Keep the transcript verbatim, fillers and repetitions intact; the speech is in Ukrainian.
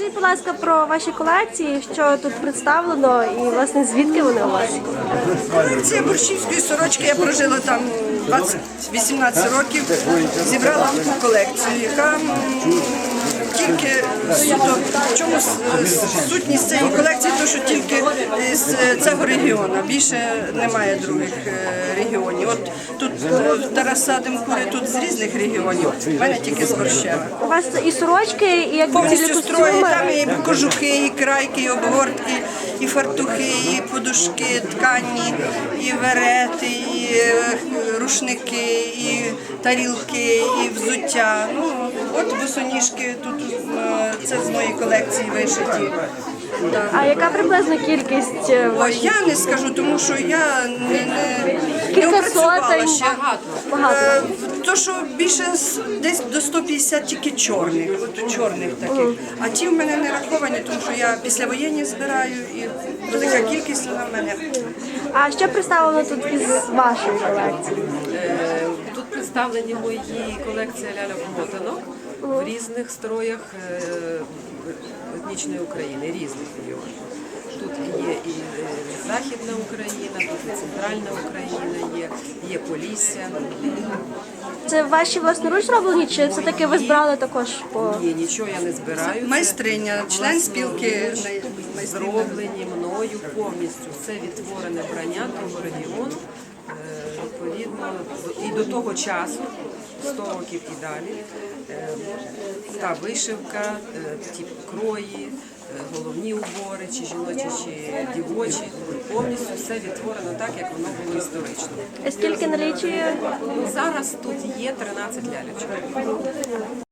Розкажіть, будь ласка, про ваші колекції, що тут представлено і, власне, звідки вони у вас? Колекція борщівської сорочки, я прожила там двадцять-вісімнадцять років, зібрала таку колекцію, яка м, тільки суто, в чому с- сутність цієї колекції, то що тільки з цього регіону, більше немає других е, регіонів. От тут е, Тараса Демкури тут з різних регіонів, в мене тільки з Борщева. У вас і сорочки, і як цілі Повністю строї, костюми. там і кожухи, і крайки, і обгортки, і фартухи, і подушки, ткані, і верети, і е, рушники, і тарілки, і взуття. Ну, от босоніжки тут е, це з моєї колекції вишиті. Да. А яка приблизна кількість е, Ой, ваших? я не скажу, тому що я не, не, не Кілька опрацювала сотень? ще. Багато. Е, То, що більше з- десь до сто п'ятдесят тільки чорних, от чорних таких. А ті в мене не раховані, тому що я післявоєнні збираю і велика кількість вона в мене. А що представлено тут із вашої колекції? Е, Тут представлені мої колекції ляльок-мотанок в різних строях е, етнічної України, різних регіонів. Тут є і е, Західна Україна, тут і Центральна Україна, є, є Полісся. Це ваші власноруч зроблені, чи все-таки ви збирали також по... Ні, нічого я не збираю. Це Майстриня, член спілки власноруч майстрів. зроблені мною повністю. Це відтворене вбрання того регіону. Е, Відповідно, і до того часу, сто років і далі, е, та вишивка, е, ті крої, е, головні убори, чи жіночі, чи дівочі, повністю все відтворено так, як воно було історично. Скільки налічує? Ну, зараз тут є тринадцять лялечок.